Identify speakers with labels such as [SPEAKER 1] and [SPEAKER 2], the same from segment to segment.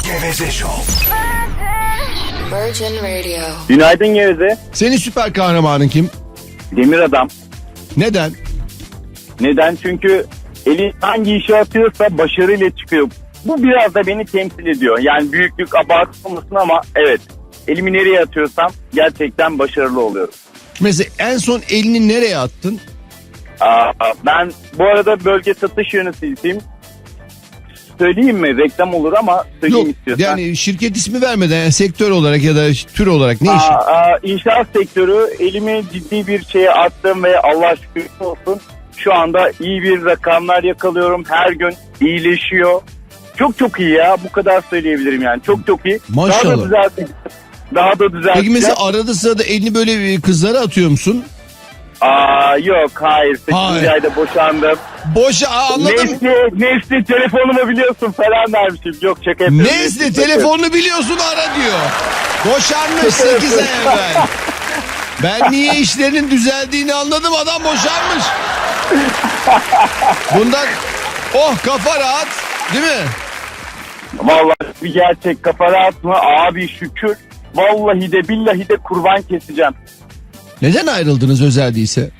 [SPEAKER 1] Geveze Show.
[SPEAKER 2] Virgin Radio.
[SPEAKER 3] Günaydın Geveze.
[SPEAKER 4] Senin süper kahramanın kim?
[SPEAKER 3] Demir adam.
[SPEAKER 4] Neden?
[SPEAKER 3] Neden? Çünkü eli hangi işe atıyorsa başarıyla çıkıyor. Bu biraz da beni temsil ediyor. Yani büyüklük abartı olmasın ama evet. Elimi nereye atıyorsam gerçekten başarılı oluyorum.
[SPEAKER 4] Mesela en son elini nereye attın?
[SPEAKER 3] Ben bu arada bölge satış yöneticisiyim. Söyleyeyim mi? Reklam olur ama söyleyeyim
[SPEAKER 4] Yok
[SPEAKER 3] istiyorsan.
[SPEAKER 4] yani şirket ismi vermeden yani sektör olarak ya da tür olarak ne iş?
[SPEAKER 3] İnşaat sektörü, elimi ciddi bir şeye attım ve Allah şükür olsun şu anda iyi bir rakamlar yakalıyorum. Her gün iyileşiyor. Çok iyi ya, bu kadar söyleyebilirim yani, çok iyi.
[SPEAKER 4] Maşallah.
[SPEAKER 3] Daha da düzelteceğim.
[SPEAKER 4] Peki mesela arada sırada elini böyle kızlara atıyor musun?
[SPEAKER 3] Yok, hayır. 8. ayda boşandım.
[SPEAKER 4] Anladım.
[SPEAKER 3] Nesli telefonumu biliyorsun falan dermişim. Yok, şaka yapıyorum.
[SPEAKER 4] Nesli telefonunu biliyorsun ara diyor. Boşanmış 8 ay evvel. Ben niye işlerinin düzeldiğini anladım, adam boşanmış. Bundan kafa rahat değil mi?
[SPEAKER 3] Vallahi bir gerçek, kafa rahat mı? Abi şükür. Vallahi de billahi de kurban keseceğim.
[SPEAKER 4] Neden ayrıldınız özel değilse?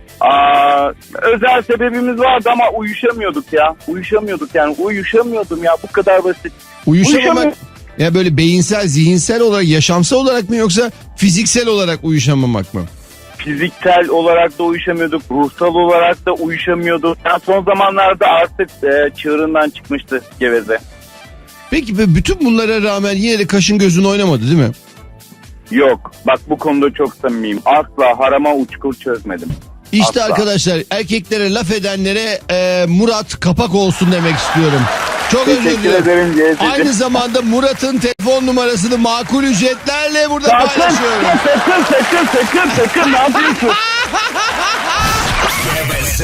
[SPEAKER 3] Özel sebebimiz vardı ama uyuşamıyorduk ya. Uyuşamıyordum ya, bu kadar basit.
[SPEAKER 4] Uyuşamamak ya böyle beyinsel, zihinsel olarak, yaşamsal olarak mı yoksa fiziksel olarak uyuşamamak mı?
[SPEAKER 3] Fiziksel olarak da uyuşamıyorduk, ruhsal olarak da uyuşamıyorduk. Yani son zamanlarda artık çığırından çıkmıştı Geveze.
[SPEAKER 4] Peki bütün bunlara rağmen yine de kaşın gözün oynamadı değil mi?
[SPEAKER 3] Yok, bak bu konuda çok samimiyim. Asla harama uçkur çözmedim.
[SPEAKER 4] İşte
[SPEAKER 3] asla.
[SPEAKER 4] Arkadaşlar, erkeklere laf edenlere Murat kapak olsun demek istiyorum. Çok özür
[SPEAKER 3] Teşekkür
[SPEAKER 4] dilerim.
[SPEAKER 3] ederim Geveze.
[SPEAKER 4] Aynı zamanda Murat'ın telefon numarasını makul ücretlerle burada paylaşıyorum.
[SPEAKER 3] Sakın ne yapıyorsun?
[SPEAKER 1] Geveze.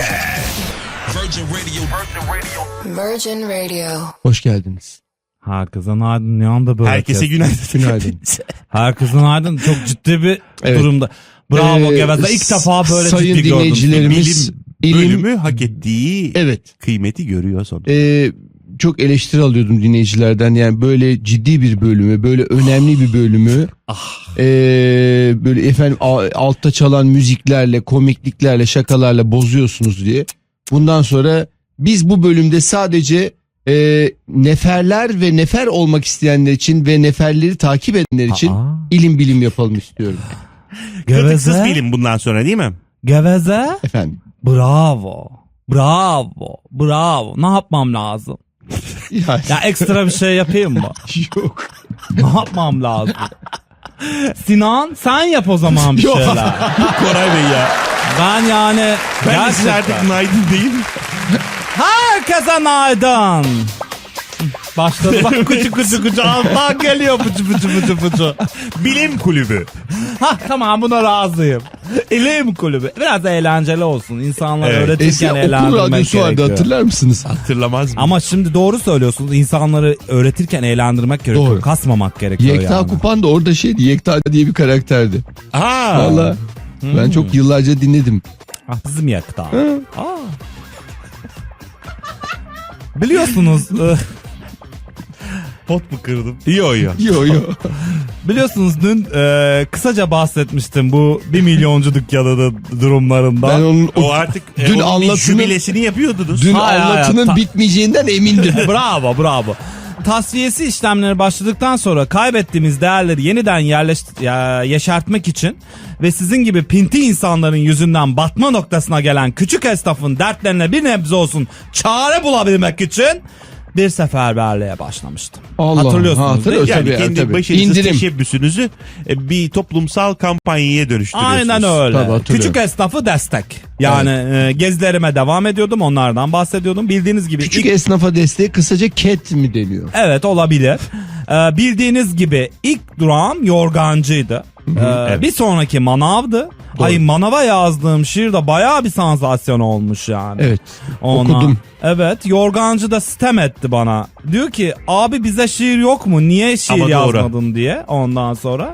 [SPEAKER 2] Virgin Radio.
[SPEAKER 4] Hoş geldiniz.
[SPEAKER 5] Herkese günaydın. Ne anda böyle?
[SPEAKER 6] Herkese günaydın.
[SPEAKER 4] Günaydın.
[SPEAKER 5] Herkese günaydın. Çok ciddi bir
[SPEAKER 4] Evet.
[SPEAKER 5] durumda. Bravo Geveze. İlk defa böyle
[SPEAKER 4] sayın
[SPEAKER 5] ciddi gördüm.
[SPEAKER 4] dinleyicilerimiz,
[SPEAKER 6] Bölümü hak ettiği
[SPEAKER 4] evet.
[SPEAKER 6] kıymeti görüyor sonra.
[SPEAKER 4] Çok eleştiri alıyordum dinleyicilerden. Yani böyle ciddi bir bölümü, böyle önemli bir bölümü böyle efendim altta çalan müziklerle, komikliklerle, şakalarla bozuyorsunuz diye. Bundan sonra biz bu bölümde sadece neferler ve nefer olmak isteyenler için ve neferleri takip edenler için ilim bilim yapalım istiyorum.
[SPEAKER 6] Kırtıksız
[SPEAKER 5] Geveze.
[SPEAKER 6] bilim bundan sonra değil mi?
[SPEAKER 5] Geveze.
[SPEAKER 4] Efendim.
[SPEAKER 5] Bravo. Ne yapmam lazım? Ya ekstra bir şey yapayım mı?
[SPEAKER 4] Yok.
[SPEAKER 5] Ne yapmam lazım? Sinan sen yap o zaman bir
[SPEAKER 4] Yok.
[SPEAKER 5] şeyler.
[SPEAKER 6] Koray Bey ya.
[SPEAKER 5] Ben yani
[SPEAKER 6] Ben de size artık günaydın değil mi?
[SPEAKER 5] herkese günaydın. Başladı bak kucu alttan geliyor pucu.
[SPEAKER 6] Bilim kulübü.
[SPEAKER 5] Tamam buna razıyım. İlim kulübü. Biraz eğlenceli olsun. İnsanları
[SPEAKER 6] Evet.
[SPEAKER 5] öğretirken
[SPEAKER 4] Eskiden okul
[SPEAKER 5] eğlendirmek
[SPEAKER 4] radyosu vardı,
[SPEAKER 5] gerekiyor.
[SPEAKER 4] hatırlar mısınız?
[SPEAKER 6] Hatırlamaz mı?
[SPEAKER 5] Ama şimdi doğru söylüyorsunuz. İnsanları öğretirken eğlendirmek gerekiyor.
[SPEAKER 4] Doğru.
[SPEAKER 5] Kasmamak gerekiyor
[SPEAKER 4] Yekta
[SPEAKER 5] yani.
[SPEAKER 4] Kupan da orada şeydi. Yekta diye bir karakterdi. Valla ben çok yıllarca dinledim.
[SPEAKER 5] Bizim Yekta. Biliyorsunuz
[SPEAKER 6] Pot mu kırdım? Yo.
[SPEAKER 4] Yo.
[SPEAKER 5] biliyorsunuz dün kısaca bahsetmiştim bu 1 milyoncu dükkanı durumlarından.
[SPEAKER 4] Ben onun
[SPEAKER 6] O artık
[SPEAKER 4] Dün
[SPEAKER 6] onun bir
[SPEAKER 4] anlatının-
[SPEAKER 6] jübilesini yapıyordunuz.
[SPEAKER 4] dün
[SPEAKER 5] Hayır,
[SPEAKER 4] anlatının bitmeyeceğinden emindim.
[SPEAKER 5] Bravo. Tasfiyesi işlemleri başladıktan sonra kaybettiğimiz değerleri yeniden yeşertmek için ve sizin gibi pinti insanların yüzünden batma noktasına gelen küçük esnafın dertlerine bir nebze olsun çare bulabilmek için bir seferberliğe başlamıştım.
[SPEAKER 4] Allah,
[SPEAKER 5] Hatırlıyorsunuz
[SPEAKER 4] hatırlıyoruz.
[SPEAKER 5] değil mi?
[SPEAKER 6] Yani
[SPEAKER 4] Tabii,
[SPEAKER 6] kendi
[SPEAKER 4] tabii.
[SPEAKER 6] başarısız
[SPEAKER 4] İndirim.
[SPEAKER 6] teşebbüsünüzü bir toplumsal kampanyaya dönüştürüyorsunuz.
[SPEAKER 5] Aynen öyle.
[SPEAKER 4] Tabii, hatırlıyorum.
[SPEAKER 5] Küçük esnafı destek. Yani gezilerime devam ediyordum, onlardan bahsediyordum. Bildiğiniz gibi
[SPEAKER 4] Küçük esnafa desteği kısaca ket mi deniyor?
[SPEAKER 5] evet olabilir. Bildiğiniz gibi ilk durağım yorgancıydı.
[SPEAKER 6] Evet.
[SPEAKER 5] Bir sonraki manavdı. Ay manava yazdığım şiir de bayağı bir sansasyon olmuş yani.
[SPEAKER 4] Evet.
[SPEAKER 5] Ona,
[SPEAKER 4] Okudum.
[SPEAKER 5] Evet, yorgancı da sitem etti bana. Diyor ki abi bize şiir yok mu? Niye şiir
[SPEAKER 6] Ama doğru.
[SPEAKER 5] yazmadın diye. Ondan sonra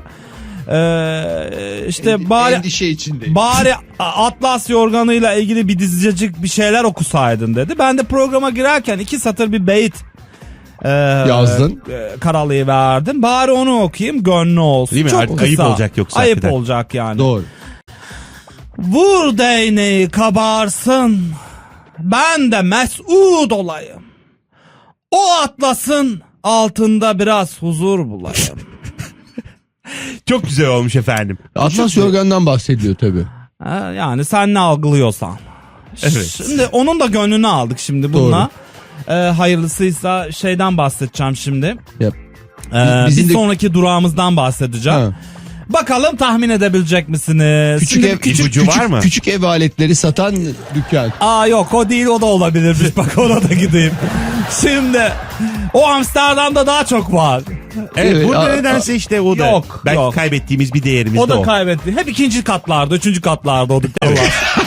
[SPEAKER 5] işte bari
[SPEAKER 4] Endişe içindeyim.
[SPEAKER 5] bari Atlas yorganıyla ilgili bir dizicik bir şeyler okusaydın dedi. Ben de programa girerken 2 satır bir beyit
[SPEAKER 4] Yazdın.
[SPEAKER 5] Karalayı verdim. Bari onu okuyayım, gönlü olsun.
[SPEAKER 6] Değil mi?
[SPEAKER 5] Çok
[SPEAKER 6] Artık
[SPEAKER 5] kısa.
[SPEAKER 6] ayıp olacak yoksa
[SPEAKER 5] Ayıp
[SPEAKER 6] hakikaten.
[SPEAKER 5] olacak yani.
[SPEAKER 4] Doğru.
[SPEAKER 5] Vur değneği kabarsın, ben de mes'ud olayım. O atlasın, altında biraz huzur bulayım.
[SPEAKER 6] Çok güzel olmuş efendim.
[SPEAKER 4] Atlas Yorgan'dan bahsediyor tabii.
[SPEAKER 5] Yani sen ne algılıyorsan.
[SPEAKER 6] Evet.
[SPEAKER 5] Şimdi onun da gönlünü aldık şimdi bununla. Hayırlısıysa şeyden bahsedeceğim şimdi.
[SPEAKER 4] Yap.
[SPEAKER 5] Bir sonraki durağımızdan bahsedeceğim.
[SPEAKER 4] Ha.
[SPEAKER 5] Bakalım tahmin edebilecek misiniz?
[SPEAKER 6] ipucu var mı?
[SPEAKER 4] Küçük ev aletleri satan dükkan.
[SPEAKER 5] Yok o değil, o da olabilirmiş. Bak ona da gideyim. Şimdi o Amsterdam'da daha çok var.
[SPEAKER 6] Evet,
[SPEAKER 4] Evet,
[SPEAKER 6] burada nedense işte o da.
[SPEAKER 5] Yok,
[SPEAKER 6] Belki
[SPEAKER 5] yok.
[SPEAKER 6] kaybettiğimiz bir değerimiz
[SPEAKER 5] O
[SPEAKER 6] de
[SPEAKER 5] da
[SPEAKER 6] o.
[SPEAKER 5] kaybetti. Hep ikinci katlarda, üçüncü katlarda o dükkanlar.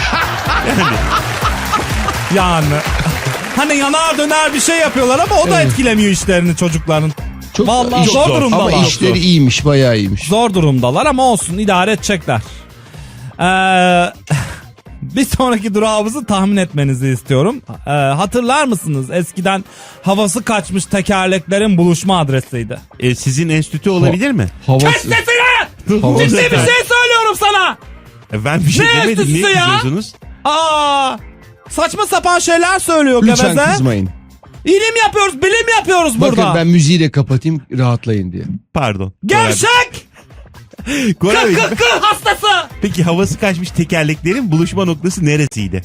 [SPEAKER 5] Yani. Hani yanar döner bir şey yapıyorlar ama o da etkilemiyor işlerini çocukların.
[SPEAKER 4] Çok,
[SPEAKER 5] Vallahi
[SPEAKER 4] çok
[SPEAKER 5] zor
[SPEAKER 6] zor.
[SPEAKER 5] durumdalar.
[SPEAKER 4] Ama işleri iyiymiş, bayağı iyiymiş.
[SPEAKER 5] Zor durumdalar ama olsun, idare edecekler. Bir sonraki durağımızı tahmin etmenizi istiyorum. Hatırlar mısınız? Eskiden havası kaçmış tekerleklerin buluşma adresiydi.
[SPEAKER 6] Sizin enstitü olabilir mi?
[SPEAKER 4] Havası.
[SPEAKER 5] Kes sesini!
[SPEAKER 4] Havası-
[SPEAKER 5] Ciddi bir şey söylüyorum sana!
[SPEAKER 6] Ben bir şey
[SPEAKER 5] Ne
[SPEAKER 6] demedim. Niye
[SPEAKER 5] enstitüsü ya?
[SPEAKER 6] kızıyorsunuz?
[SPEAKER 5] Saçma sapan şeyler söylüyor
[SPEAKER 4] Lütfen
[SPEAKER 5] geveze.
[SPEAKER 4] kızmayın.
[SPEAKER 5] İlim yapıyoruz, bilim yapıyoruz
[SPEAKER 4] Bakın
[SPEAKER 5] burada.
[SPEAKER 4] ben müziği de kapatayım, rahatlayın diye.
[SPEAKER 6] Pardon.
[SPEAKER 5] Gevşek!
[SPEAKER 6] Koray Bey,
[SPEAKER 5] Kı hastası!
[SPEAKER 6] peki havası kaçmış tekerleklerin buluşma noktası neresiydi?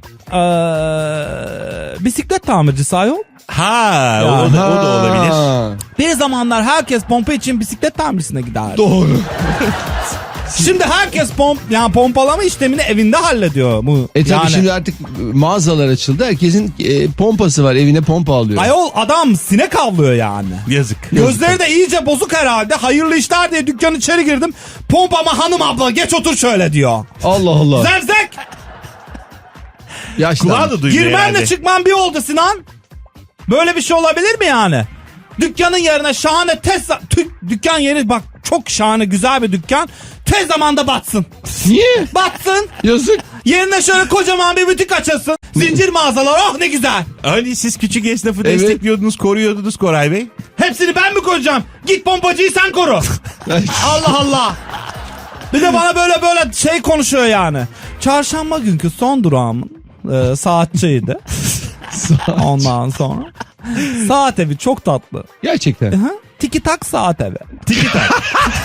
[SPEAKER 5] Bisiklet tamircisi ayol.
[SPEAKER 6] Ha,
[SPEAKER 5] Ya.
[SPEAKER 6] o da olabilir.
[SPEAKER 4] Ha,
[SPEAKER 5] Bir zamanlar herkes pompa için bisiklet tamircisine giderdi.
[SPEAKER 4] doğru.
[SPEAKER 5] Şimdi herkes pompalama işlemini evinde hallediyor. Bu.
[SPEAKER 4] Tabii şimdi artık mağazalar açıldı. Herkesin pompası var. Evine pompa alıyor.
[SPEAKER 5] Ayol adam sinek avlıyor yani.
[SPEAKER 6] Yazık.
[SPEAKER 5] Gözleri de iyice bozuk herhalde. Hayırlı işler diye dükkan içeri girdim. Pompama hanım abla geç otur şöyle diyor.
[SPEAKER 4] Allah Allah.
[SPEAKER 5] Zevzek!
[SPEAKER 4] Yaşlanmış.
[SPEAKER 6] Kulağı da duyuyor
[SPEAKER 5] Girmenle
[SPEAKER 6] herhalde.
[SPEAKER 5] çıkman bir oldu Sinan. Böyle bir şey olabilir mi yani? Dükkanın yerine şahane dükkan yeri bak çok şahane güzel bir dükkan. Tez zamanda batsın.
[SPEAKER 4] Niye?
[SPEAKER 5] Batsın.
[SPEAKER 4] Yazık.
[SPEAKER 5] Yerine şöyle kocaman bir butik açılsın. Zincir mağazalar, oh ne güzel.
[SPEAKER 6] Hani siz küçük esnafı
[SPEAKER 4] Evet.
[SPEAKER 6] destekliyordunuz, koruyordunuz Koray Bey.
[SPEAKER 5] Hepsini ben mi koruyacağım? Git pompacıyı sen koru. Allah Allah. Bir de bana böyle şey konuşuyor yani. Çarşamba günkü son durağımın saatçiydi. Ondan sonra. Saat evi çok tatlı.
[SPEAKER 4] Gerçekten.
[SPEAKER 5] Hı? Tiki tak saat evi.
[SPEAKER 6] Tiki tak.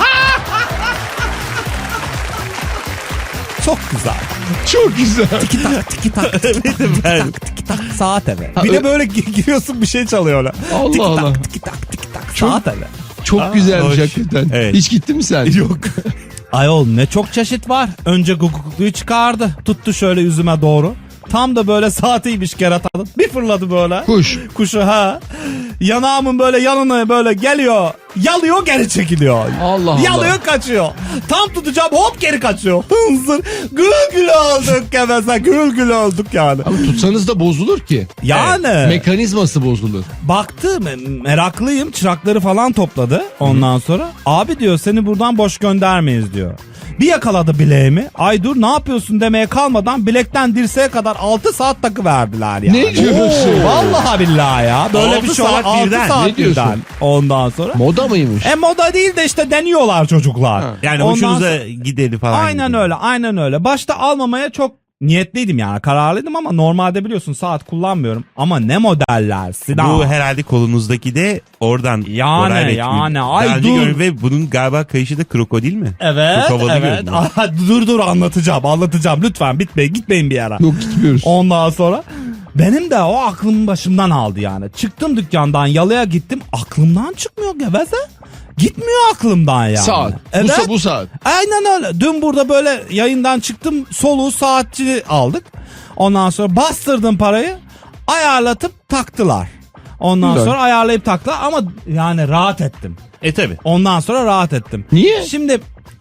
[SPEAKER 5] Çok güzel.
[SPEAKER 4] Çok güzel.
[SPEAKER 5] Tiki tak tiki tak tiki tak saat evi. Bir
[SPEAKER 4] ö-
[SPEAKER 5] de böyle giriyorsun bir şey çalıyorlar.
[SPEAKER 4] Allah
[SPEAKER 5] Tiki
[SPEAKER 4] Allah.
[SPEAKER 5] tak tiki tak
[SPEAKER 4] Çok-
[SPEAKER 5] saat evi.
[SPEAKER 4] Çok güzelmiş
[SPEAKER 6] hoş.
[SPEAKER 4] hakikaten.
[SPEAKER 6] Evet.
[SPEAKER 4] Hiç gittin mi sen?
[SPEAKER 6] Yok.
[SPEAKER 5] Ayol ne çok çeşit var. Önce gugukluyu çıkardı. Tuttu şöyle yüzüme doğru. Tam da böyle saatiymiş keratanın. Bir fırladı böyle.
[SPEAKER 4] Kuş.
[SPEAKER 5] Kuşu ha. Yanağımın böyle yanına böyle geliyor. Yalıyor geri çekiliyor.
[SPEAKER 4] Allah Allah.
[SPEAKER 5] Yalıyor kaçıyor. Tam tutacağım hop geri kaçıyor. Hınzır. Gül gül olduk geveze. Gül gül olduk yani.
[SPEAKER 4] Ama tutsanız da bozulur ki.
[SPEAKER 5] Yani.
[SPEAKER 4] Mekanizması bozulur.
[SPEAKER 5] Baktı meraklıyım, çırakları falan topladı ondan sonra. Abi diyor seni buradan boş göndermeyiz diyor. Bir yakaladı bileğimi. Ay dur ne yapıyorsun demeye kalmadan bilekten dirseğe kadar 6 saat takı verdiler yani.
[SPEAKER 4] Ne diyorsun?
[SPEAKER 5] Vallahi billahi ya. Böyle
[SPEAKER 6] 6
[SPEAKER 5] bir şey
[SPEAKER 6] saat
[SPEAKER 5] 6
[SPEAKER 6] birden.
[SPEAKER 5] saat
[SPEAKER 4] Ne diyorsun?
[SPEAKER 5] birden. Ondan sonra.
[SPEAKER 4] Moda mıymış?
[SPEAKER 5] Moda değil de işte deniyorlar çocuklar.
[SPEAKER 6] Yani
[SPEAKER 5] Ondan
[SPEAKER 6] hoşunuza gideni falan.
[SPEAKER 5] Aynen
[SPEAKER 6] gidiyor.
[SPEAKER 5] öyle, aynen öyle. Başta almamaya çok niyetliydim yani, kararlıydım ama normalde biliyorsun saat kullanmıyorum. Ama ne modeller Sinan.
[SPEAKER 6] Bu herhalde kolunuzdaki de oradan.
[SPEAKER 5] Yani,
[SPEAKER 6] Koray Bey.
[SPEAKER 5] yani.
[SPEAKER 6] Daha
[SPEAKER 5] Ay,
[SPEAKER 6] önce
[SPEAKER 5] dur.
[SPEAKER 6] görüyorum ve bunun galiba kayışı da krokodil mi?
[SPEAKER 5] Evet,
[SPEAKER 6] Çok havalı
[SPEAKER 5] evet.
[SPEAKER 6] görünüyor.
[SPEAKER 5] Aha, dur anlatacağım. Lütfen gitmeyin bir yere.
[SPEAKER 4] Yok gitmiyoruz.
[SPEAKER 5] Ondan sonra benim de o aklım başımdan aldı yani. Çıktım dükkandan yalıya gittim. Aklımdan çıkmıyor geveze. Gitmiyor aklımdan yani.
[SPEAKER 4] Saat.
[SPEAKER 5] Evet.
[SPEAKER 4] Bu saat.
[SPEAKER 5] Aynen öyle. Dün burada böyle yayından çıktım. Soluğu saatçi aldık. Ondan sonra bastırdım parayı. Ayarlatıp taktılar. Ondan
[SPEAKER 4] Güzel.
[SPEAKER 5] sonra ayarlayıp taktılar ama yani rahat ettim.
[SPEAKER 6] Tabi.
[SPEAKER 5] Ondan sonra rahat ettim.
[SPEAKER 4] Niye?
[SPEAKER 5] Şimdi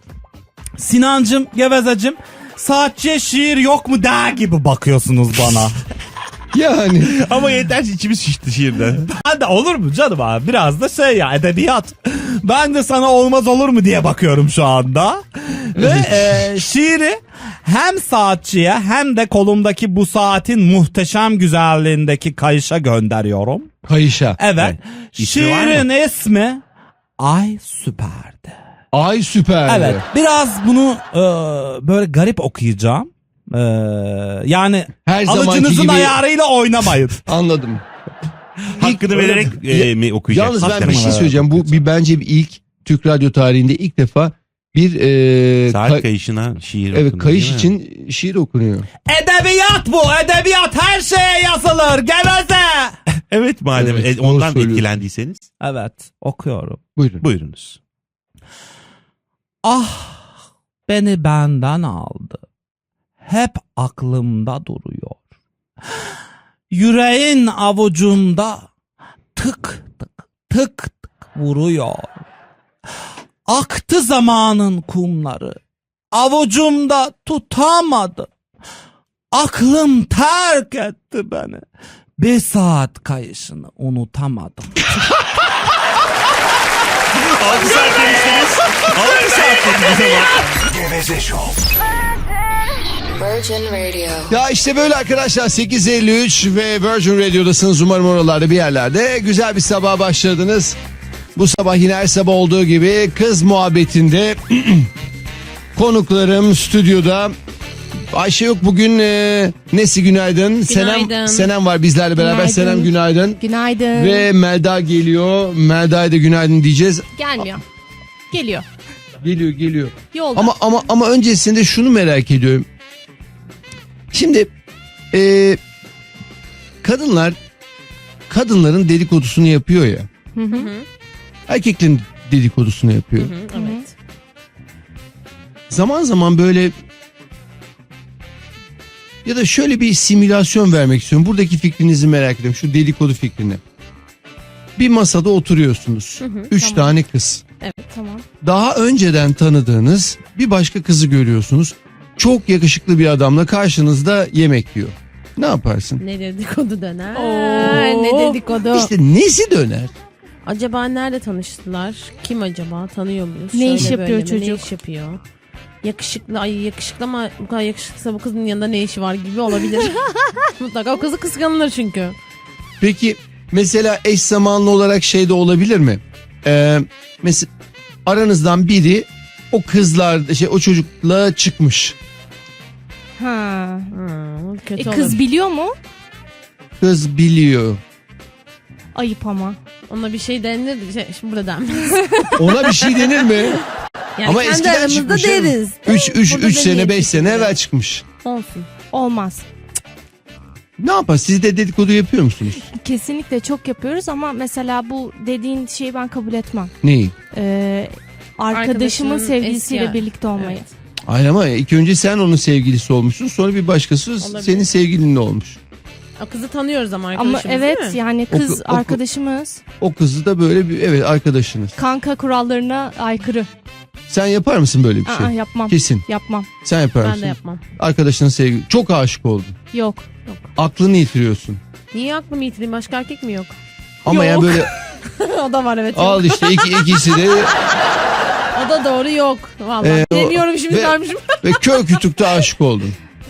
[SPEAKER 5] Sinancım, gevezacım, saatçiye şiir yok mu der gibi bakıyorsunuz bana.
[SPEAKER 4] Yani.
[SPEAKER 6] Ama yeter ki içimiz şişti şiirden.
[SPEAKER 5] Ben de olur mu canım abi, biraz da şey ya, edebiyat. Ben de sana olmaz olur mu diye bakıyorum şu anda. Ve şiiri hem saatçiye hem de kolumdaki bu saatin muhteşem güzelliğindeki kayışa gönderiyorum.
[SPEAKER 4] Kayışa.
[SPEAKER 5] Evet.
[SPEAKER 6] İsmi var mı?
[SPEAKER 5] Şiirin ismi Ay Süper'di.
[SPEAKER 4] Ay süper.
[SPEAKER 5] Evet. Biraz bunu böyle garip okuyacağım. Yani
[SPEAKER 4] Her zamanki
[SPEAKER 5] alıcınızın
[SPEAKER 4] gibi-
[SPEAKER 5] ayarıyla oynamayın.
[SPEAKER 4] Anladım.
[SPEAKER 6] Hakkını vererek mi okuyacak?
[SPEAKER 4] Yalnız ben
[SPEAKER 6] Hakikaten
[SPEAKER 4] bir şey
[SPEAKER 6] mi?
[SPEAKER 4] söyleyeceğim. Bu bence bir ilk Türk radyo tarihinde ilk defa bir
[SPEAKER 6] Saat kayışına şiir
[SPEAKER 4] evet
[SPEAKER 6] okundu,
[SPEAKER 4] kayış
[SPEAKER 6] değil mi?
[SPEAKER 4] için şiir okunuyor.
[SPEAKER 5] Edebiyat bu. Edebiyat her şeye yazılır. Geveze.
[SPEAKER 6] Evet madem
[SPEAKER 4] Evet, doğru
[SPEAKER 6] ondan
[SPEAKER 4] söylüyorsun.
[SPEAKER 6] etkilendiyseniz
[SPEAKER 5] Evet. Okuyorum.
[SPEAKER 4] Buyurun.
[SPEAKER 6] buyurunuz.
[SPEAKER 5] Ah beni benden aldı. Hep aklımda duruyor. Yüreğin avucumda tık tık tık tık vuruyor. Aktı zamanın kumları. Avucumda tutamadım. Aklım terk etti beni. Bir saat kayışını unutamadım.
[SPEAKER 6] 6 saat demiştiniz. 6 saat dediniz ama.
[SPEAKER 1] Geveze Show.
[SPEAKER 2] Virgin Radio.
[SPEAKER 4] Ya işte böyle arkadaşlar 8.53 ve Virgin Radio'dasınız. Umarım oralarda bir yerlerde. Güzel bir sabah başladınız. Bu sabah yine her sabah olduğu gibi kız muhabbetinde konuklarım stüdyoda. Ayşe yok bugün. Nesi günaydın.
[SPEAKER 7] Günaydın.
[SPEAKER 4] Senem var bizlerle beraber.
[SPEAKER 7] Günaydın.
[SPEAKER 4] Senem günaydın.
[SPEAKER 7] Günaydın.
[SPEAKER 4] Ve Melda geliyor. Melda'ya da günaydın diyeceğiz.
[SPEAKER 7] Gelmiyor. Geliyor.
[SPEAKER 4] Geliyor.
[SPEAKER 7] Yolda.
[SPEAKER 4] Ama öncesinde şunu merak ediyorum. Şimdi kadınların dedikodusunu yapıyor ya. Erkeklerin dedikodusunu yapıyor.
[SPEAKER 7] Evet.
[SPEAKER 4] Zaman zaman böyle ya da şöyle bir simülasyon vermek istiyorum. Buradaki fikrinizi merak ediyorum. Şu dedikodu fikrini. Bir masada oturuyorsunuz. 3
[SPEAKER 7] tamam.
[SPEAKER 4] tane kız.
[SPEAKER 7] Evet tamam.
[SPEAKER 4] Daha önceden tanıdığınız bir başka kızı görüyorsunuz. Çok yakışıklı bir adamla karşınızda yemek yiyor. Ne yaparsın?
[SPEAKER 7] Ne dedikodu döner.
[SPEAKER 5] Oo.
[SPEAKER 7] Ne dedikodu.
[SPEAKER 4] İşte nesi döner?
[SPEAKER 7] Acaba nerede tanıştılar? Kim acaba? Tanıyor muyuz?
[SPEAKER 8] Ne
[SPEAKER 7] Şöyle
[SPEAKER 8] iş yapıyor
[SPEAKER 7] böyle mi?
[SPEAKER 8] çocuk?
[SPEAKER 7] Ne iş yapıyor? Yakışıklı, ay yakışıklı ama bu kadar yakışıklısa bu kızın yanında ne işi var gibi olabilir. Mutlaka o kızı kıskanılır çünkü.
[SPEAKER 4] Peki mesela eş zamanlı olarak şey de olabilir mi? Mesela aranızdan biri o o çocukla çıkmış.
[SPEAKER 8] Ha.
[SPEAKER 7] Kötü
[SPEAKER 8] Kız
[SPEAKER 7] olur.
[SPEAKER 8] biliyor mu?
[SPEAKER 4] Kız biliyor.
[SPEAKER 8] Ayıp ama.
[SPEAKER 7] Ona bir şey denir. Şimdi burada denmez.
[SPEAKER 4] Ona bir şey denir mi?
[SPEAKER 7] Yani
[SPEAKER 4] Ama
[SPEAKER 7] kendi
[SPEAKER 4] eskiden
[SPEAKER 7] aramızda
[SPEAKER 4] çıkmış.
[SPEAKER 7] deriz.
[SPEAKER 4] 3
[SPEAKER 7] Burada
[SPEAKER 4] sene
[SPEAKER 7] demeyiz
[SPEAKER 4] 5 sene
[SPEAKER 7] kesinlikle.
[SPEAKER 4] evvel çıkmış.
[SPEAKER 7] Olsun.
[SPEAKER 8] Olmaz.
[SPEAKER 4] Ne yapar? Siz de dedikodu yapıyor musunuz?
[SPEAKER 8] Kesinlikle çok yapıyoruz ama mesela bu dediğin şeyi ben kabul etmem.
[SPEAKER 4] Neyi?
[SPEAKER 8] Arkadaşımın
[SPEAKER 7] Arkadaşının
[SPEAKER 8] sevgilisiyle
[SPEAKER 7] eski-
[SPEAKER 8] birlikte olmayı.
[SPEAKER 7] Evet.
[SPEAKER 4] Hayır ama ilk önce sen onun sevgilisi olmuşsun. Sonra bir başkası
[SPEAKER 7] Olabilir.
[SPEAKER 4] senin sevgilinle olmuş.
[SPEAKER 7] O kızı tanıyoruz ama
[SPEAKER 8] Ama
[SPEAKER 7] arkadaşımız
[SPEAKER 8] evet
[SPEAKER 7] değil mi?
[SPEAKER 8] yani kız arkadaşımız
[SPEAKER 4] O kızı da böyle bir evet arkadaşınız.
[SPEAKER 8] kanka kurallarına aykırı.
[SPEAKER 4] Sen yapar mısın böyle bir şey?
[SPEAKER 8] Aa, yapmam.
[SPEAKER 4] Kesin.
[SPEAKER 8] Yapmam.
[SPEAKER 4] Sen yapar
[SPEAKER 7] Ben
[SPEAKER 4] mısın?
[SPEAKER 7] de yapmam.
[SPEAKER 4] Arkadaşının sevgili. Çok aşık oldun.
[SPEAKER 8] Yok.
[SPEAKER 4] Aklını yitiriyorsun.
[SPEAKER 7] Niye aklımı yitireyim? Başka erkek mi yok?
[SPEAKER 4] Ama ya
[SPEAKER 8] Yok.
[SPEAKER 4] böyle
[SPEAKER 7] O da var evet. Yok.
[SPEAKER 4] al işte ikisi de
[SPEAKER 7] O da doğru yok. Vallahi. Deniyorum şimdi
[SPEAKER 4] ve-
[SPEAKER 7] sarmışım.
[SPEAKER 4] ve kör kütükte aşık oldun.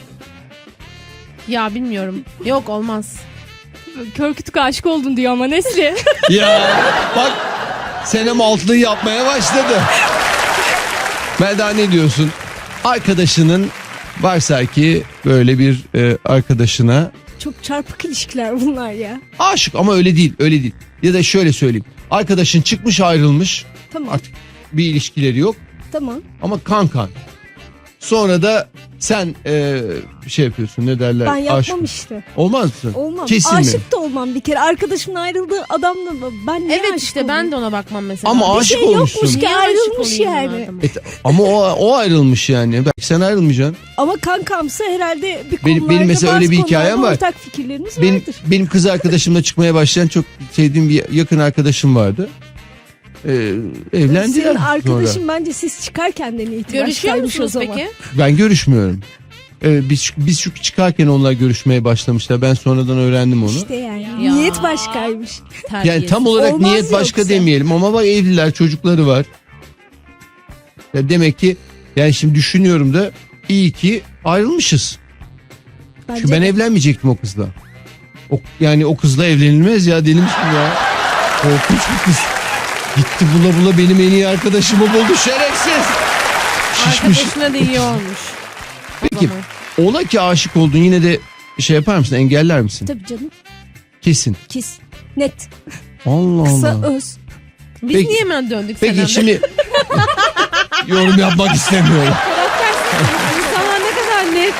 [SPEAKER 7] Ya bilmiyorum. Yok olmaz.
[SPEAKER 8] Kör kütük aşık oldun diyor ama Nesli.
[SPEAKER 4] Ya bak Senem altlığı yapmaya başladı. Melda ne diyorsun? Arkadaşının varsa ki böyle bir arkadaşına
[SPEAKER 9] Çok çarpık ilişkiler bunlar ya.
[SPEAKER 4] aşık ama öyle değil. Ya da şöyle söyleyeyim. Arkadaşın çıkmış ayrılmış.
[SPEAKER 9] Tamam.
[SPEAKER 4] Artık bir ilişkileri yok
[SPEAKER 9] Tamam.
[SPEAKER 4] ama kankan. Sonra da sen şey yapıyorsun ne derler?
[SPEAKER 9] Ben yapmam
[SPEAKER 4] aşık.
[SPEAKER 9] işte.
[SPEAKER 4] Olmaz mısın?
[SPEAKER 9] Olmam.
[SPEAKER 4] Kesin mi?
[SPEAKER 9] Aşık da olmam bir kere. Arkadaşımın ayrıldığı adamla ben niye
[SPEAKER 7] Evet
[SPEAKER 9] aşık
[SPEAKER 7] işte
[SPEAKER 9] olayım?
[SPEAKER 7] ben de ona bakmam mesela.
[SPEAKER 4] Ama
[SPEAKER 9] Bir
[SPEAKER 4] aşık
[SPEAKER 9] şey
[SPEAKER 4] olmuşsun.
[SPEAKER 9] yokmuş ki
[SPEAKER 7] Niye aşık
[SPEAKER 9] ayrılmış
[SPEAKER 7] olayım
[SPEAKER 9] yani.
[SPEAKER 7] ben adama?
[SPEAKER 4] Ama o ayrılmış yani. Belki sen ayrılmayacaksın.
[SPEAKER 9] Ama kankamsa herhalde bir
[SPEAKER 4] Benim
[SPEAKER 9] konularda
[SPEAKER 4] mesela öyle
[SPEAKER 9] bazı
[SPEAKER 4] bir hikayem
[SPEAKER 9] konularda
[SPEAKER 4] var.
[SPEAKER 9] ortak fikirlerimiz
[SPEAKER 4] Benim
[SPEAKER 9] vardır.
[SPEAKER 4] benim kız arkadaşımla çıkmaya başlayan çok sevdiğim bir yakın arkadaşım vardı. Evlendiler
[SPEAKER 9] Senin arkadaşın
[SPEAKER 4] sonra.
[SPEAKER 9] bence siz çıkarken de itibar
[SPEAKER 7] Görüşüyor
[SPEAKER 9] kaymış o
[SPEAKER 7] musunuz
[SPEAKER 9] zaman.
[SPEAKER 7] peki?
[SPEAKER 4] Ben görüşmüyorum. Biz şu çıkarken onlar görüşmeye başlamışlar. Ben sonradan öğrendim onu.
[SPEAKER 9] İşte yani.
[SPEAKER 7] Ya.
[SPEAKER 9] Niyet başkaymış.
[SPEAKER 4] Yani tam olarak
[SPEAKER 9] Olmaz
[SPEAKER 4] niyet başka
[SPEAKER 9] yoksa.
[SPEAKER 4] demeyelim ama bak evliler, çocukları var. Ya demek ki yani şimdi düşünüyorum da iyi ki ayrılmışız.
[SPEAKER 9] Bence
[SPEAKER 4] Çünkü ben
[SPEAKER 9] de.
[SPEAKER 4] evlenmeyecektim o kızla. Yani o kızla evlenilmez ya, deli misin ya? Korkunç bir kız. Gitti bula bula benim en iyi arkadaşımı buldu, şerefsiz. Şişmiş.
[SPEAKER 7] Arkadaşına da iyi olmuş. O
[SPEAKER 4] Peki
[SPEAKER 7] zaman.
[SPEAKER 4] ola ki aşık oldun, yine de şey yapar mısın, engeller misin?
[SPEAKER 9] Tabii canım.
[SPEAKER 4] Kesin.
[SPEAKER 9] Kes. Net.
[SPEAKER 4] Allah
[SPEAKER 9] Kısa
[SPEAKER 4] Allah.
[SPEAKER 9] öz.
[SPEAKER 7] Biz
[SPEAKER 4] Peki-
[SPEAKER 7] niye hemen döndük
[SPEAKER 4] Peki
[SPEAKER 7] Senem'le?
[SPEAKER 4] şimdi yorum yapmak istemiyorum.
[SPEAKER 7] İnsanlar ne kadar net.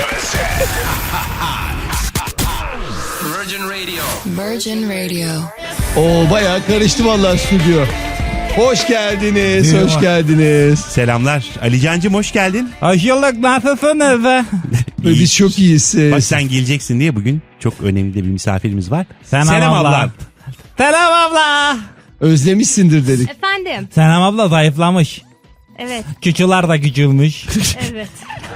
[SPEAKER 2] Virgin Radio.
[SPEAKER 4] Oo, bayağı karıştı vallahi stüdyo. Hoş geldiniz, hoş geldiniz.
[SPEAKER 6] Selamlar. Ali Cancım hoş geldin.
[SPEAKER 5] Hoş bulduk, nasılsınız?
[SPEAKER 4] Biz çok iyiyiz.
[SPEAKER 6] Bak sen geleceksin diye bugün çok önemli de bir misafirimiz var.
[SPEAKER 5] Selam abla. Selam abla.
[SPEAKER 4] Özlemişsindir dedik.
[SPEAKER 8] Efendim.
[SPEAKER 5] Selam abla zayıflamış.
[SPEAKER 8] Evet.
[SPEAKER 5] Küçüler de küçülmüş.
[SPEAKER 8] Evet.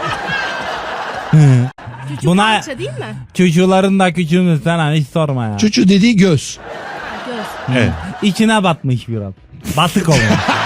[SPEAKER 8] Küçük
[SPEAKER 5] Buna-
[SPEAKER 8] parça değil mi?
[SPEAKER 5] Çocuğların da küçülmüş, sen hiç sorma ya.
[SPEAKER 4] Çocuğu dediği göz.
[SPEAKER 8] Göz.
[SPEAKER 6] Evet.
[SPEAKER 5] İçine batmış biraz. Batık olmuş.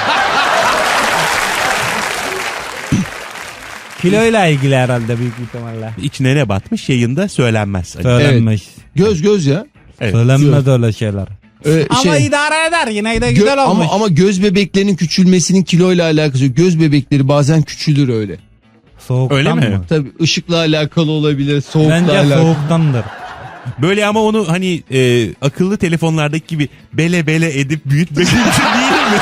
[SPEAKER 5] Kiloyla ilgili herhalde büyük ihtimalle.
[SPEAKER 6] İçine ne batmış yayında söylenmez. Ali.
[SPEAKER 5] Söylenmiş.
[SPEAKER 4] Göz ya.
[SPEAKER 6] Evet.
[SPEAKER 5] Söylenmez öyle şeyler. Ama
[SPEAKER 4] Şey,
[SPEAKER 5] idare eder, yine de güzel olmuş.
[SPEAKER 4] ama göz bebeklerinin küçülmesinin kiloyla alakası yok. Göz bebekleri bazen küçülür öyle.
[SPEAKER 5] Soğuktan
[SPEAKER 6] Öyle mi?
[SPEAKER 5] mı?
[SPEAKER 4] Tabii ışıkla alakalı olabilir, soğukla
[SPEAKER 5] Bence
[SPEAKER 4] alakalı.
[SPEAKER 5] soğuktandır.
[SPEAKER 6] Böyle ama onu hani akıllı telefonlardaki gibi bele bele edip büyütmek mümkün değil mi?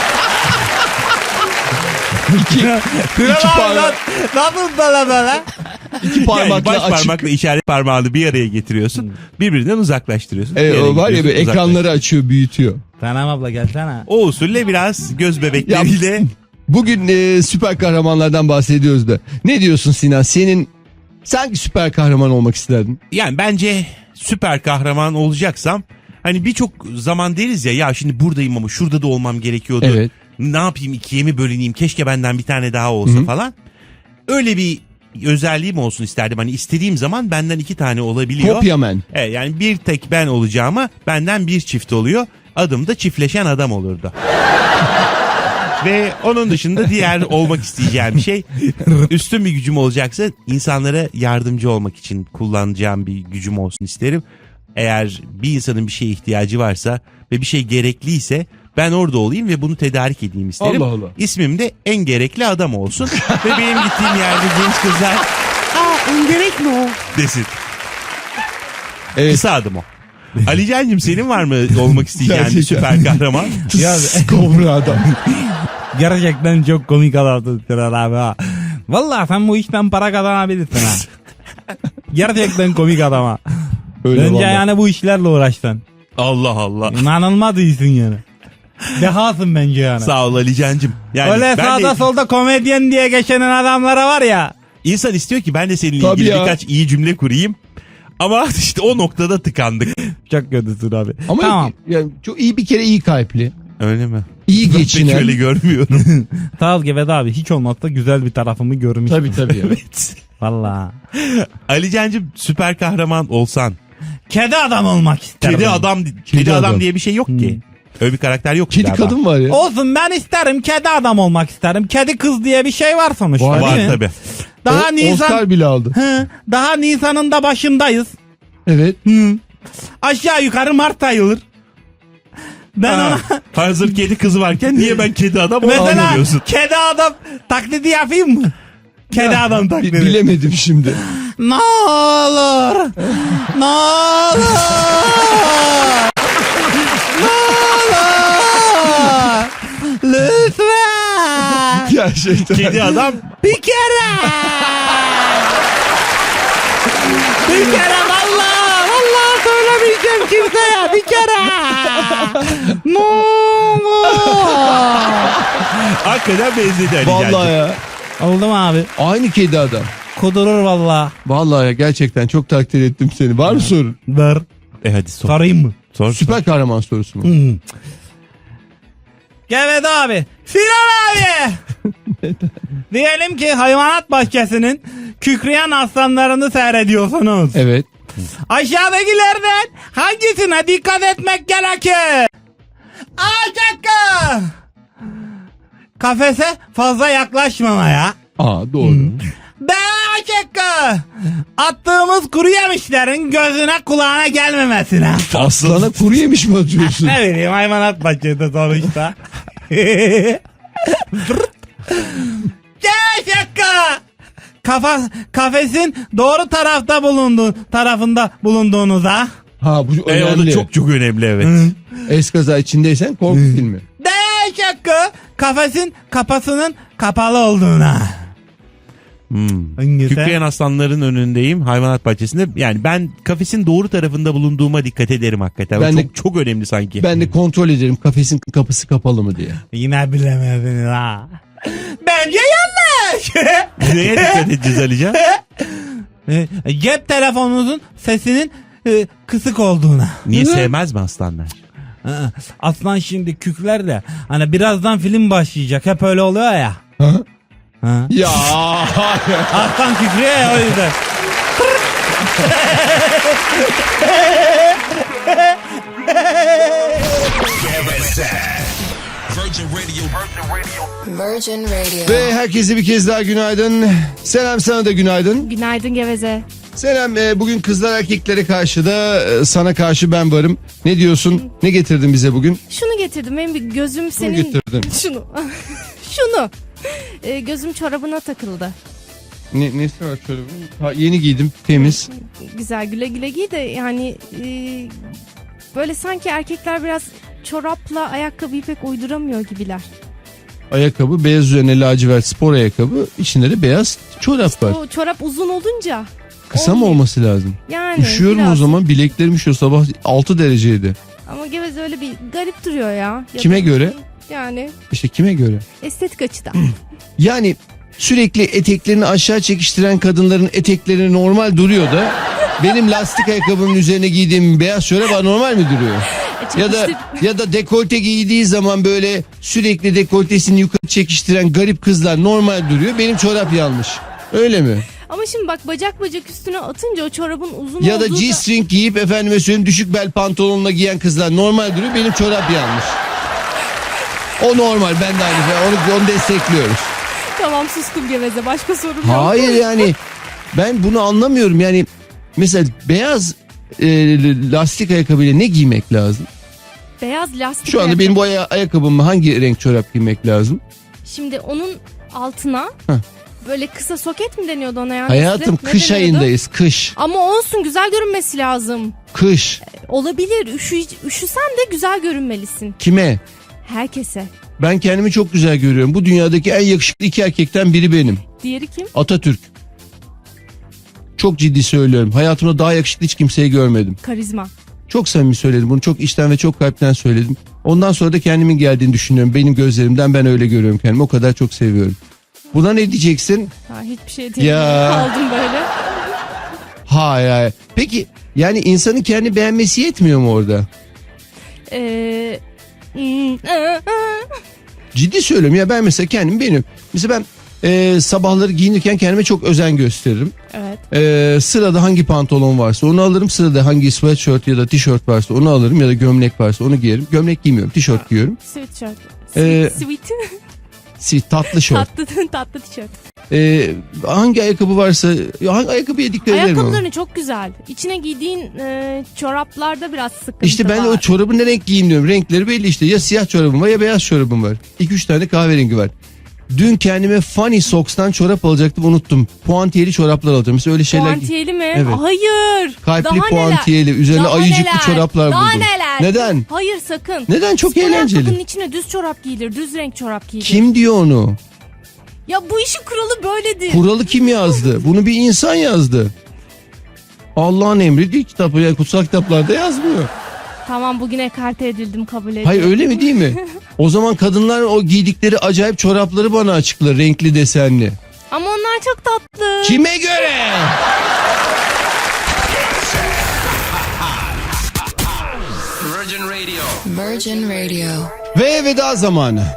[SPEAKER 4] İki parmak,
[SPEAKER 5] Nasıl böyle?
[SPEAKER 4] iki
[SPEAKER 6] Yani
[SPEAKER 4] parmakla
[SPEAKER 6] baş
[SPEAKER 4] açık.
[SPEAKER 6] parmakla işaret parmağını bir araya getiriyorsun. Birbirinden uzaklaştırıyorsun. Bir
[SPEAKER 4] Evet,
[SPEAKER 6] yere
[SPEAKER 4] o var ya,
[SPEAKER 6] gidiyorsun,
[SPEAKER 4] böyle ekranları
[SPEAKER 6] uzaklaştırıyorsun.
[SPEAKER 4] açıyor, büyütüyor.
[SPEAKER 5] Senem abla gelsene.
[SPEAKER 6] O usulle biraz göz bebekleriyle
[SPEAKER 4] Bugün süper kahramanlardan bahsediyoruz da. Ne diyorsun Sinan? Sanki süper kahraman olmak isterdin.
[SPEAKER 6] yani bence süper kahraman olacaksam hani birçok zaman deriz ya şimdi buradayım ama şurada da olmam gerekiyordu.
[SPEAKER 4] Evet.
[SPEAKER 6] Ne yapayım, ikiye mi bölüneyim, keşke benden bir tane daha olsa falan. Öyle bir özelliğim olsun isterdim. Hani istediğim zaman benden 2 tane olabiliyor.
[SPEAKER 4] Kopyaman.
[SPEAKER 6] Evet, yani bir tek ben olacağıma benden bir çift oluyor. Adım da çiftleşen adam olurdu. Ve onun dışında diğer olmak isteyeceğim şey, üstün bir gücüm olacaksa insanlara yardımcı olmak için kullanacağım bir gücüm olsun isterim. Eğer bir insanın bir şeye ihtiyacı varsa ve bir şey gerekliyse ben orada olayım ve bunu tedarik edeyim isterim.
[SPEAKER 4] Allah Allah.
[SPEAKER 6] İsmim de en gerekli adam olsun ve benim gittiğim yerde genç kızlar en gerekli o desin.
[SPEAKER 4] Evet.
[SPEAKER 6] Kısa adım o. Ali Can'cığım, senin var mı olmak isteyeceğin bir
[SPEAKER 4] Gerçekten.
[SPEAKER 6] süper kahraman?
[SPEAKER 5] Ya,
[SPEAKER 4] Kobra adam.
[SPEAKER 5] gerçekten çok komik adamsın Sinan abi ha. Vallahi sen bu işten para kazanabilirsin ha. Gerçekten komik adam ha.
[SPEAKER 4] Öyle
[SPEAKER 5] Bence
[SPEAKER 4] vallahi.
[SPEAKER 5] yani bu işlerle uğraştın.
[SPEAKER 6] Allah Allah.
[SPEAKER 5] İnanılmaz iyisin yani. Dehasın bence yani.
[SPEAKER 6] Sağ ol Ali Can'cığım. Yani
[SPEAKER 5] Öyle
[SPEAKER 6] ben
[SPEAKER 5] sağda
[SPEAKER 6] de,
[SPEAKER 5] solda komedyen diye geçenen adamlara var ya.
[SPEAKER 6] insan istiyor ki ben de seninle
[SPEAKER 4] Tabii
[SPEAKER 6] ilgili
[SPEAKER 4] ya.
[SPEAKER 6] birkaç iyi cümle kurayım. Ama işte o noktada tıkandık.
[SPEAKER 5] Çok kötüsün abi.
[SPEAKER 4] Ama
[SPEAKER 5] Tamam.
[SPEAKER 4] yani çok iyi, bir kere iyi kalpli.
[SPEAKER 6] Öyle mi?
[SPEAKER 4] İyi
[SPEAKER 6] Ben pek
[SPEAKER 4] geçinen.
[SPEAKER 6] öyle görmüyorum.
[SPEAKER 5] Sağ ol Gevet abi. Hiç olmazsa güzel bir tarafımı görmüş.
[SPEAKER 4] Tabii tabii. Ya.
[SPEAKER 6] Evet.
[SPEAKER 5] Valla.
[SPEAKER 6] Ali Can'cığım, süper kahraman olsan.
[SPEAKER 5] Kedi adam olmak isterim.
[SPEAKER 6] Kedi
[SPEAKER 4] adam.
[SPEAKER 6] adam diye bir şey yok ki. Öyle bir karakter yok.
[SPEAKER 4] Kedi
[SPEAKER 6] galiba.
[SPEAKER 4] kadın var ya.
[SPEAKER 5] Olsun, ben isterim, kedi adam olmak isterim. Kedi kız diye bir şey var sonuçta.
[SPEAKER 4] Var,
[SPEAKER 5] değil
[SPEAKER 6] Var
[SPEAKER 5] mi?
[SPEAKER 6] tabii.
[SPEAKER 5] Daha Nisan.
[SPEAKER 4] Oscar bile aldı.
[SPEAKER 5] Hı, daha Nisan'ın da başındayız.
[SPEAKER 4] Evet.
[SPEAKER 5] Hı. Aşağı yukarı Mart ayılır. Ben
[SPEAKER 6] Ha,
[SPEAKER 5] ona
[SPEAKER 6] hazır kedi kızı varken niye ben kedi adam
[SPEAKER 5] mesela
[SPEAKER 6] olamıyorum?
[SPEAKER 5] kedi adam taklidi yapayım mı? Kedi adam taklidi.
[SPEAKER 4] Bilemedim şimdi.
[SPEAKER 5] Ne olur. Ne olur. Ne olur. Lütfen.
[SPEAKER 4] Gerçekten.
[SPEAKER 6] Kedi adam
[SPEAKER 5] Bir kere. Bir kere vallahi söylemeyeceğim kimseye. Bir kere. Ne olur.
[SPEAKER 6] hakikaten benzedi Ali
[SPEAKER 4] Vallahi
[SPEAKER 6] Can'cığım.
[SPEAKER 4] ya.
[SPEAKER 5] Oldu mu abi?
[SPEAKER 4] Aynı kedi adam.
[SPEAKER 5] Kudurur vallahi.
[SPEAKER 4] Vallahi ya, gerçekten çok takdir ettim seni. Var mı sorun?
[SPEAKER 5] Ver.
[SPEAKER 6] Hadi sor.
[SPEAKER 5] Sorayım mı?
[SPEAKER 6] Sor.
[SPEAKER 4] Süper kahraman sorusu mu?
[SPEAKER 5] Evet abi. Sinan abi. Diyelim ki hayvanat bahçesinin kükreyen aslanlarını seyrediyorsunuz.
[SPEAKER 4] Evet.
[SPEAKER 5] Aşağıdakilerden hangisine dikkat etmek gerekir? A şıkkı. Kafese fazla yaklaşmamaya.
[SPEAKER 4] Aa, doğru.
[SPEAKER 5] B Attığımız kuru yemişlerin gözüne kulağına gelmemesine.
[SPEAKER 4] Aslana kuru yemiş mi atıyorsun?
[SPEAKER 5] Ne bileyim, hayvanat bahçesi sonuçta. Şaka. Kafesin doğru tarafında bulunduğunuza.
[SPEAKER 4] Ha bu
[SPEAKER 6] O da
[SPEAKER 4] önemli.
[SPEAKER 6] çok çok önemli, evet.
[SPEAKER 4] Eskaza içindeysen korku filmi.
[SPEAKER 5] Şaka. Kafesin kapasının kapalı olduğuna. Hangisi?
[SPEAKER 6] Kükreyen aslanların önündeyim hayvanat bahçesinde. Yani ben kafesin doğru tarafında bulunduğuma dikkat ederim hakikaten.
[SPEAKER 4] Ben de-
[SPEAKER 6] çok önemli sanki.
[SPEAKER 4] Ben de kontrol ederim kafesin kapısı kapalı mı diye.
[SPEAKER 5] Yine bilemediniz ha. Bence yanlış.
[SPEAKER 6] Neye dikkat edeceğiz Alican?
[SPEAKER 5] Cep telefonunuzun sesinin kısık olduğuna.
[SPEAKER 6] Niye sevmez mi aslanlar?
[SPEAKER 5] Aslan şimdi kükler de hani birazdan film başlayacak, hep öyle oluyor ya.
[SPEAKER 4] Ha?
[SPEAKER 5] Ha?
[SPEAKER 4] Ya
[SPEAKER 5] Aslan kükrüyor ya, o yüzden.
[SPEAKER 2] Virgin Radio.
[SPEAKER 4] ve herkese bir kez daha günaydın. Selam, sana da günaydın.
[SPEAKER 8] Günaydın Geveze.
[SPEAKER 4] Selam, bugün kızlar erkeklere karşı da sana karşı ben varım. Ne diyorsun? Ne getirdin bize bugün?
[SPEAKER 8] Şunu getirdim. Benim bir gözüm senin...
[SPEAKER 4] getirdin?
[SPEAKER 8] Şunu. Şunu. Gözüm çorabına takıldı.
[SPEAKER 4] Nesi var şöyle? Ha, yeni giydim, temiz.
[SPEAKER 8] Güzel, güle güle giy de yani böyle sanki erkekler biraz çorapla ayakkabıyı pek uyduramıyor gibiler.
[SPEAKER 4] Ayakkabı beyaz üzerine lacivert spor ayakkabı. İçinde de beyaz çorap var.
[SPEAKER 8] O çorap uzun olunca
[SPEAKER 4] Kısa mı olması lazım?
[SPEAKER 8] yani
[SPEAKER 4] Üşüyorum
[SPEAKER 8] biraz.
[SPEAKER 4] o zaman, bileklerim üşüyor, sabah 6 dereceydi.
[SPEAKER 8] Ama Geveze öyle bir garip duruyor ya. Ya
[SPEAKER 4] Kime
[SPEAKER 8] da-
[SPEAKER 4] göre?
[SPEAKER 8] Yani
[SPEAKER 4] İşte kime göre?
[SPEAKER 8] estetik açıdan.
[SPEAKER 4] Yani sürekli eteklerini aşağı çekiştiren kadınların etekleri normal duruyor da benim lastik ayakkabımın üzerine giydiğim beyaz çorap anormal mi duruyor? Ya da dekolte giydiği zaman böyle sürekli dekoltesini yukarı çekiştiren garip kızlar normal duruyor. Benim çorap yanlış. Öyle mi?
[SPEAKER 8] Ama şimdi bak bacak üstüne atınca o çorabın uzun
[SPEAKER 4] Ya da
[SPEAKER 8] olduğu
[SPEAKER 4] G-string giyip efendime söyleyeyim düşük bel pantolonla giyen kızlar normal duruyor. Benim çorap yanlış. O normal, ben de aynı. Onu destekliyoruz.
[SPEAKER 8] Tamam, sustum Geveze, başka sorum yok.
[SPEAKER 4] Hayır yani ben bunu anlamıyorum. Yani mesela beyaz lastik ayakkabıyla ne giymek lazım?
[SPEAKER 8] Beyaz lastik
[SPEAKER 4] Şu anda
[SPEAKER 8] ayakkabı.
[SPEAKER 4] benim bu ayakkabıma hangi renk çorap giymek lazım?
[SPEAKER 8] Şimdi onun altına
[SPEAKER 4] Heh.
[SPEAKER 8] böyle kısa soket mi deniyordu ona yani?
[SPEAKER 4] Hayatım
[SPEAKER 8] Ne
[SPEAKER 4] kış
[SPEAKER 8] deniyordu?
[SPEAKER 4] ayındayız, kış.
[SPEAKER 8] Ama olsun, güzel görünmesi lazım.
[SPEAKER 4] Kış.
[SPEAKER 8] Olabilir, üşüsen de güzel görünmelisin.
[SPEAKER 4] Kime?
[SPEAKER 8] Herkese.
[SPEAKER 4] Ben kendimi çok güzel görüyorum. Bu dünyadaki en yakışıklı iki erkekten biri benim.
[SPEAKER 8] Diğeri kim?
[SPEAKER 4] Atatürk. Çok ciddi söylüyorum. Hayatımda daha yakışıklı hiç kimseyi görmedim.
[SPEAKER 8] Karizma.
[SPEAKER 4] Çok samimi söyledim. Bunu çok içten ve çok kalpten söyledim. Ondan sonra da kendimin geldiğini düşünüyorum. Benim gözlerimden ben öyle görüyorum kendimi. O kadar çok seviyorum. Buna ne diyeceksin?
[SPEAKER 8] Ha, hiçbir şey değil.
[SPEAKER 4] Ya.
[SPEAKER 8] Kaldım böyle.
[SPEAKER 4] Hayır hayır. Peki yani insanın kendi beğenmesi yetmiyor mu orada? Ciddi söylüyorum ya, ben mesela kendim beğeniyorum. Mesela ben sabahları giyinirken kendime çok özen gösteririm.
[SPEAKER 8] Evet.
[SPEAKER 4] Sırada hangi pantolon varsa onu alırım. Sırada hangi sweatshirt ya da tişört varsa onu alırım. Ya da gömlek varsa onu giyerim. Gömlek giymiyorum, tişört giyiyorum.
[SPEAKER 8] Sweatshirt.
[SPEAKER 4] Sweet. Tatlı şort.
[SPEAKER 8] Tatlı tişört.
[SPEAKER 4] Hangi ayakkabı varsa hangi ayakkabıya dikkat ederim ama.
[SPEAKER 8] Ayakkabılarını çok güzel. İçine giydiğin çoraplarda biraz sıkıntı
[SPEAKER 4] İşte ben de
[SPEAKER 8] var.
[SPEAKER 4] o çorabı ne renk giyeyim diyorum. Renkleri belli işte. Ya siyah çorabım var ya beyaz çorabım var. 2-3 tane kahverengi var. Dün kendime Funny Socks'tan çorap alacaktım, unuttum. Puantiyeli çoraplar alacağım. Mesela öyle şeyler.
[SPEAKER 8] Puantiyeli mi?
[SPEAKER 4] Evet.
[SPEAKER 8] Hayır.
[SPEAKER 4] Kalpli
[SPEAKER 8] Daha
[SPEAKER 4] puantiyeli. Üzerine
[SPEAKER 8] Daha
[SPEAKER 4] ayıcıklı
[SPEAKER 8] neler?
[SPEAKER 4] çoraplar
[SPEAKER 8] Daha
[SPEAKER 4] buldum.
[SPEAKER 8] neler?
[SPEAKER 4] Neden?
[SPEAKER 8] Hayır, sakın.
[SPEAKER 4] Neden? Çok
[SPEAKER 8] Spor
[SPEAKER 4] eğlenceli.
[SPEAKER 8] ayakkabının içine düz çorap giyilir. Düz renk çorap giyilir.
[SPEAKER 4] Kim diyor onu?
[SPEAKER 8] Ya bu işin kuralı böyledir.
[SPEAKER 4] Kuralı kim yazdı? Bunu bir insan yazdı. Allah'ın emri değil, kitap, yani kutsal kitaplarda yazmıyor.
[SPEAKER 8] Tamam, bugün ekarte edildim, kabul ediyorum.
[SPEAKER 4] Hayır, öyle mi değil mi? O zaman kadınlar o giydikleri acayip çorapları bana açıklar, renkli desenli.
[SPEAKER 8] Ama onlar çok tatlı.
[SPEAKER 4] Kime göre?
[SPEAKER 2] Virgin Radio.
[SPEAKER 4] Ve veda zamanı.